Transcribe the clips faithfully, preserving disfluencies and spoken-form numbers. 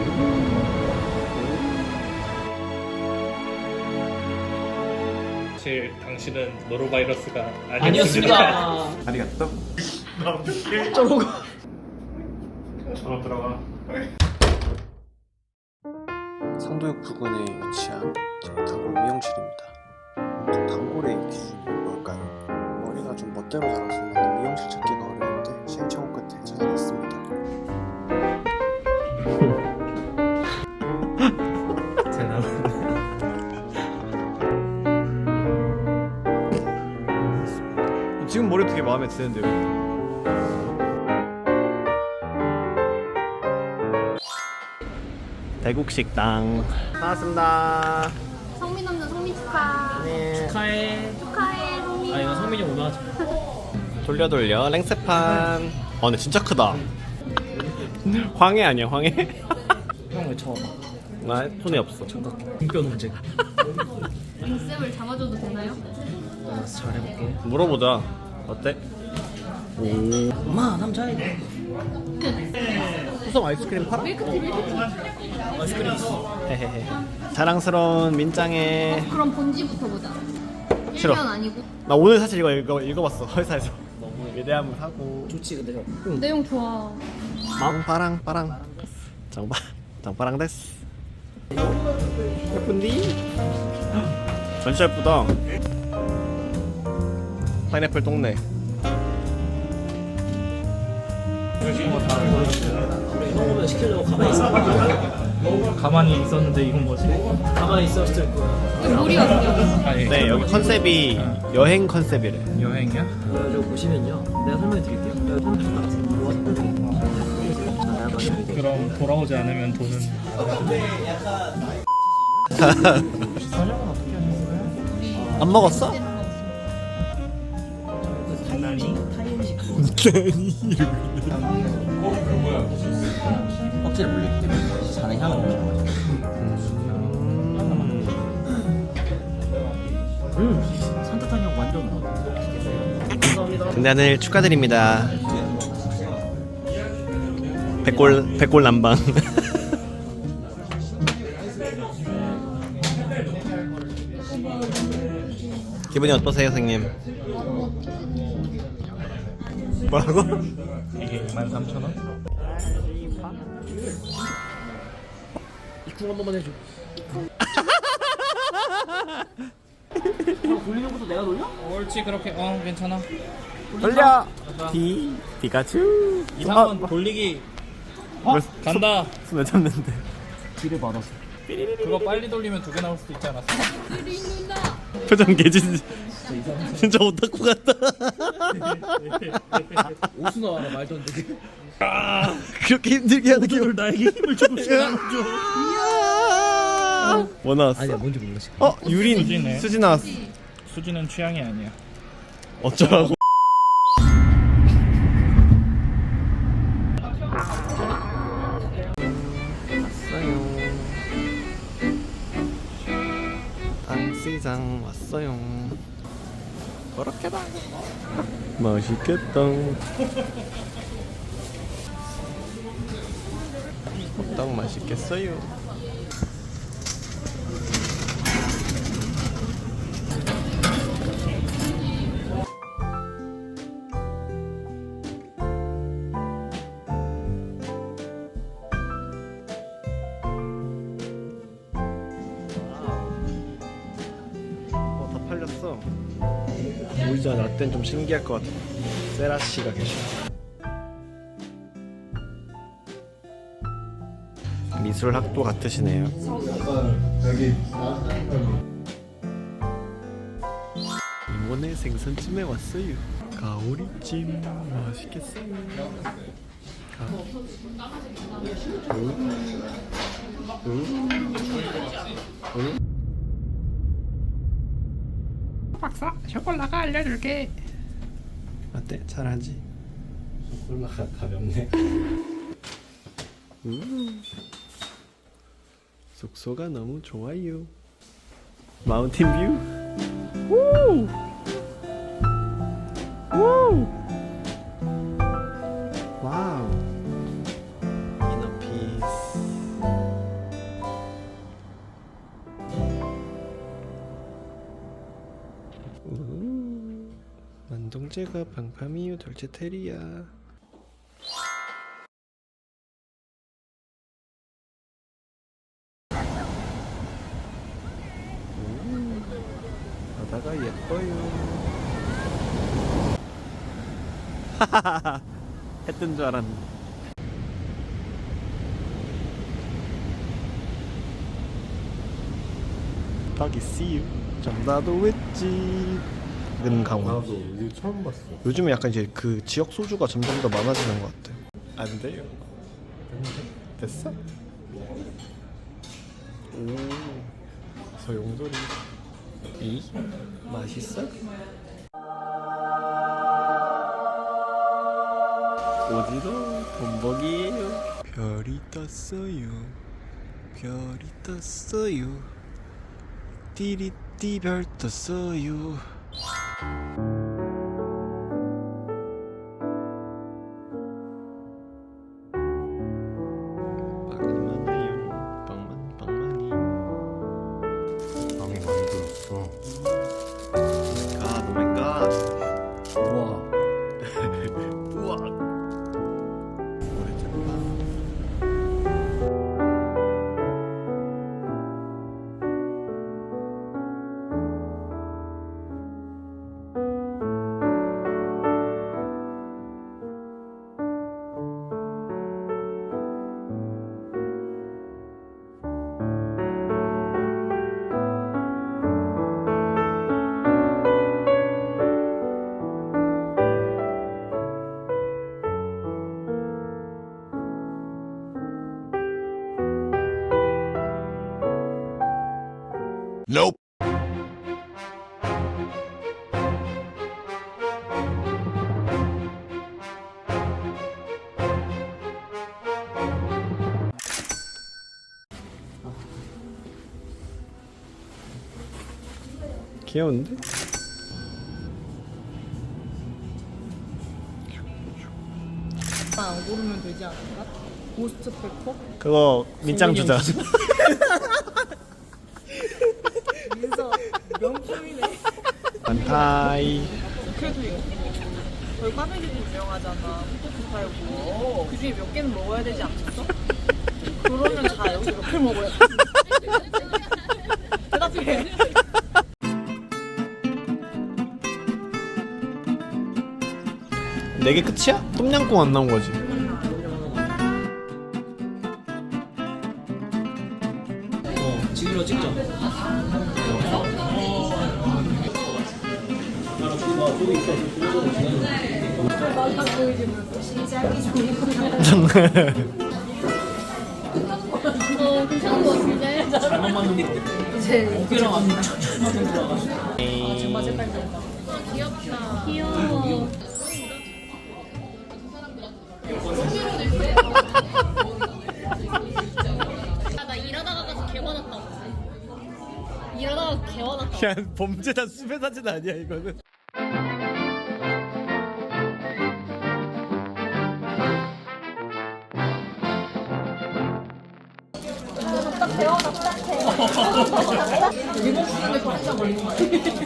사실 당신은 노로바이러스가 아니었습니다. 아리가또. 저러고 저로 들어가. 상도역 부근에 위치한 단골 미용실입니다. 그 단골의 기준이 뭘까요? 머리가 좀 멋대로 자라서 맞는 미용실 찾기가 어려운데 시행착오 끝에 찾아냈습니다. 잘 나오네. 지금 머리 되게 마음에 드는데요. 대국식당 나왔습니다. 성민 남자 성민 축하. 네. 축하해. 축하해 성민. 아 이거 성민이 오늘 하자. 돌려 돌려 랭세판. 아 근데 진짜 크다. 황해 아니야 황해? 형왜 쳐? 나 손이 없어. 등뼈 논쟁. 링쌤을 잡아줘도 되나요? 알았어 잘해볼게. 물어보자. 어때? 엄마 남자애. 수성 아이스크림 팔아? 밀크티 밀크티. 아이스크림 있어. 헤헤헤. 자랑스러운 민짱에. 그럼 본지부터 보자. 싫어. 일 년 아니고. 나 오늘 사실 이거 읽어, 읽어봤어 회사에서. 너무 위대함을 하고. 좋지 근데 형. 내용 좋아. 빵빠랑 빠랑. 장바 장빠랑 데스. 예쁜디? 진짜 예쁘다. 파인애플 똥내. 이런 거면 시키려고 가만히 있어. 가만히 있었는데 이건 뭐지? 가만히 있었을 거야. 이거 머리 같냐? 아니, 네 여기 컨셉이 여행 컨셉이래. 여행이야? 여기 보시면요. 내가 설명해 드릴게요. 여기 그럼 돌아오지 않으면 돈은 안 먹었어? 껍질을 물리기 때문에 잔의 향을 올라가죠. 음, 산뜻한 향 완전 나. 감사합니다. 등단을 축하드립니다. 백골 백골 남방. 기분이 어떠세요, 선생님? 뭐라고? 이게 이만 삼천 원? 이쿵 한 번만 해줘. 형 돌리는 것도 내가 돌려? 옳지 그렇게 어 괜찮아. 돌려. 디 피카츄. 이상한 돌리기 어? 간다. 손에 잡는데. 길을 받아서. 그거 빨리 돌리면 두 개 나올 수도 있지 않았어? 표정 개진. 진짜 오타쿠 같다. 오수 나와라 말도 안 되게. 아, 그렇게 힘들게 하는 게 오늘 나에게 힘을 조금씩 나눠줘. 뭐 나왔어? 아니야 뭔지 몰라 지금. 어 유린 수지네. 수지 나왔어. 수지는 취향이 아니야. 어쩌라고? 왔어요. 당시장 왔어요. 그렇게다. 맛있겠다. 호떡 맛있겠어요. 어, 다 팔렸어. 오이자 라떼는 좀 신기할 것 같아. 세라 씨가 계셔. 미술 학도 같으시네요. 이번에 생선찜에 왔어요. 가오리찜 맛있겠어요. 가. 응? 응? 응? 박사 쇼콜라가 알려줄게. 어때? 잘하지? 쇼콜라가 가볍네. 음. 숙소가 너무 좋아요. 마운틴 뷰. 우! 우! 와우. 이너 피스. 진동제가 방파미유 돌체테리아. 음, 바다가 예뻐요. 하하하. 했던 줄 알았는데. 닭이 씨유. 전라도 횟집. 은강원. 나도 이거 처음 봤어. 요즘에 약간 이제 그 지역 소주가 점점 더 많아지는 것 같아. 안 돼요. 됐어? 오, 소용돌이. 이 맛있어? 어디로 본복이에요? 별이 떴어요. 별이 떴어요. 띠리띠 별 떴어요. 빵이 많아요. 빵만 빵만이. 빵이 많이 들었어. 갓, 오 마이 갓. 우와. 우와. 오래됐다. Nope. 귀여운데? 안 고르면 되지 않을까? 고스트 페퍼? 그거 밑장 주자. 민서 명품이네. 반타이. 그래도 이거 저희 꽈배기도 유명하잖아. 포토 팔고 그 중에 몇 개는 먹어야 되지 않겠어? 그러면 자 여기서 몇 개 먹어야 돼? 대답해. 네 개 끝이야? 똠양꿍 안 나온 거지? 어, 지금으로 찍자. 어 괜찮은 거 같은데. 잘못 만든 거. 이제 고기랑 안 맞는 들어가서. 아 정말 색깔 좋다. 귀엽다. 귀여워. 아, 나 일하다가 가서 개화났다고. 일하다가 개화났다고. 야, 범죄자 수배 사진 아니야 이거는? 리본 쓰는데 편의점 걸린 거 같아.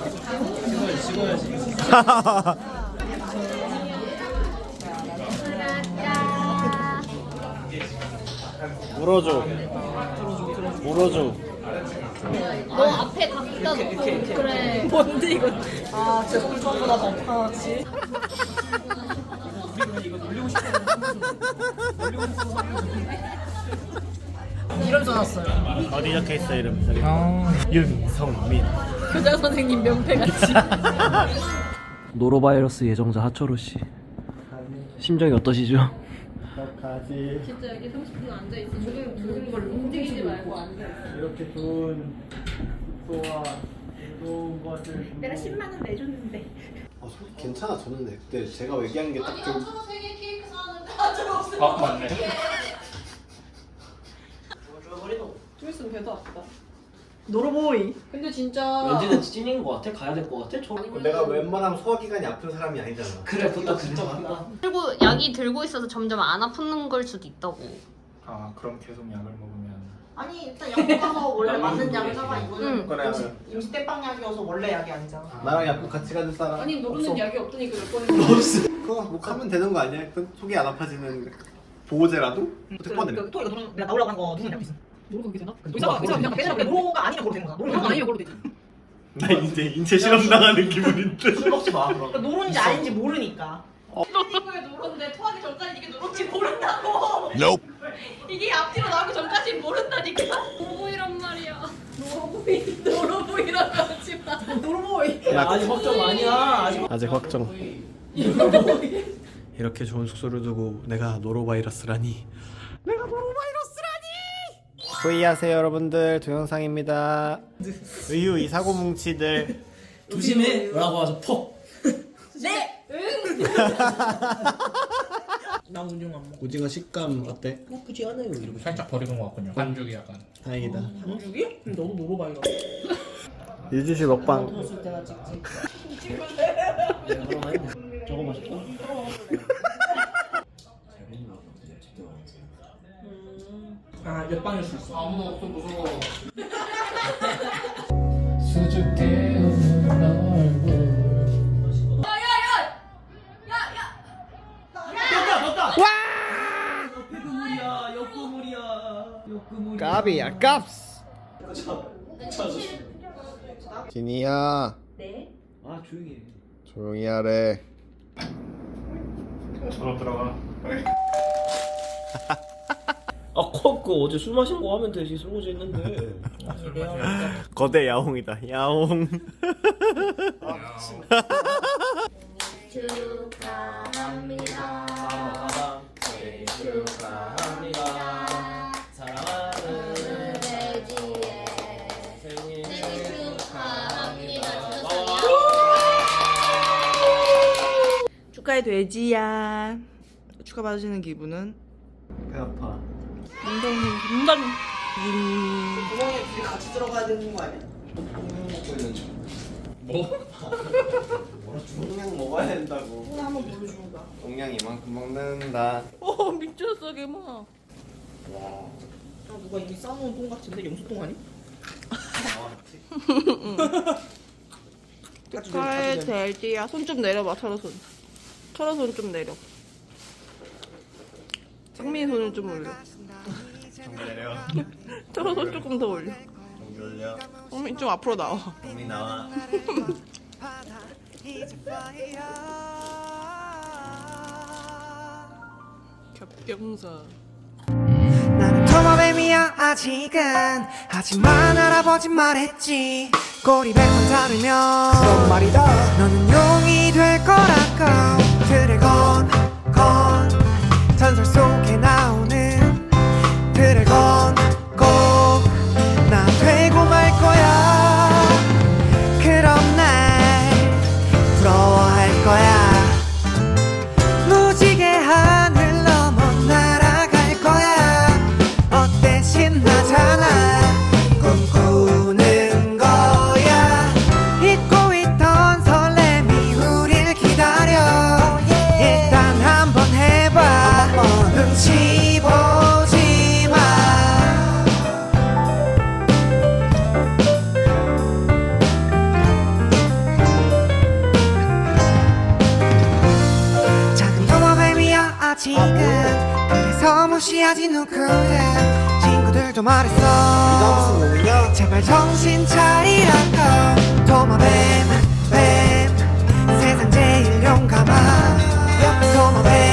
물어줘. 물어줘. 너 앞에 갖다 놓고 그래. 뭔데 이거? 아 진짜 물건보다 더 파지. 이름 써놨어요. 어디 적혀 있어 이름? 저기. 윤성민. 교장 선생님 명패 같이. 노로바이러스 예정자 하철호 씨. 심정이 어떠시죠? 가지. 진짜 여기 삼십 분 앉아 있어. 조금 조금 걸 움직이지 말고 앉아 있어. 이렇게 좋은 숙소와 좋은 것을. 내가 십만 원 내줬는데. 아, 솔직히 괜찮아졌는데 그때 제가 얘기한 게 딱 좀. 아 맞네. 좀 있으면 배도 아프다. 노로보이. 근데 진짜 왠지는 찐인 것 같아? 가야 될 것 같아? 저... 내가 웬만하면 소화기관이 아픈 사람이 아니잖아. 그래, 그것도 진짜 맞다. 그리고 약이 들고 있어서 점점 안 아픈 걸 수도 있다고. 아 그럼 계속 약을 먹으면 아니 일단 약국 가서 원래 맞는 약을 사가. 이거는 응. 그래, 임시, 그래. 임시 떼빵 약이어서 원래 약이 아니잖아. 나랑 약국 같이 가줄 사람 아니 너는 없어. 약이 없더니 그몇 번을 없어. 그거 뭐 하면 되는 거 아니야? 그 속이 안 아파지는 보호제라도? 어떻게 꺼내? 그, 또 이거 노는 내가 나오려고 한 거 누군 약도 있어. 노르가 그게 되나? 의사가 의사가 그냥 빼내는 노로가 아니면 그거 되는 거야. 노르가 아니면 걸로 되지. 나 이제 인체 실험 당하는 기분인데. 술 먹지 마. 그러니까 노른지 아닌지 모르니까. 이거에 노른데 토하기 전까지 이게 노른지 모른다고. Nope. 이게 앞뒤로 나오기 전까지 모른다니까. 노보이란 말이야. 노보이 노로보이라고 하지 마. 노르보이. 야, 아직 확정 아니야. 아직 아직 확정. 이렇게 좋은 숙소를 두고 내가 노로바이러스라니. 내가 노로바이러스라니. 후이하세요 여러분들. 동영상입니다. 의유 이 사고 뭉치들. 조심해.라고 와서 퍽. 네. 나 운영 안 먹어. 오징어 식감 어때? 나쁘지 않아요. 이러고. 살짝 버리는 것 같군요. 반죽이 약간. 다행이다. 한죽이? 너도 노로바이가. 유주 씨 먹방. 내가 그럼 했네. 저거 맛있다. 아, 옆방일 수 있어. 아무도 없어 무서워. 수줍게 웃는 얼굴. 옆구물이야, 옆구물이야, 옆구물이야. 까비야 깝스. 진이야 아, 조용히 해. 조용히 하래. 전화 들어가. 아, 컵, 그 어제 술 마신 거 하면 되지. 설거지 했는데. 거대 야옹이다 야옹. 축하합니다. 생일 축하합니다. 사랑하는 돼지의 생일 생일 축하합니다. 축하해 돼지야. 축하 받으시는 기분은? 배 아파. 굉장히 굉장히 구멍에 둘이 같이 들어가야 되는 거 아니야? 먹고 있는 중. 뭐? 용량 먹어야 된다고. 오늘 한번 보여주는 거야. 용량 이만큼 먹는다. 어 미쳤어 개마. 아, 누가 이미 싸놓은 똥 같은데 영수똥 아니? 축하해 돼지야. 손 좀 내려봐. 철어 손. 철어 손 좀 내려. 상민이 손을 좀 올려. 정비 내려. 철어 손 조금 더 올려. 정비 올려. 상민 좀 앞으로 나와. 정비 나와. 겹경사. 나는 도마뱀이야 아직은. 하지만 할아버지 말했지. 꼬리 백번 자르면 그런 말이다. 너는 용이 될 거라고. 드래곤 건 전설 속에 나오는 드래곤 꼭 나 되고 말 거야. 그럼 날 부러워할 거야. 무지개 하늘 넘어 날아갈 거야. 어때 신나잖아. 꿈꾸는 거야. 잊고 있던 설렘이 우릴 기다려. 일단 한번 해봐. 눈치 보지 마. 작은 도마뱀이야 아직은. 그래서 무시하지 누구든. 친구들도 말했어. 제발 정신 차리라고. 도마뱀 뱀 세상 제일 용감한 도마뱀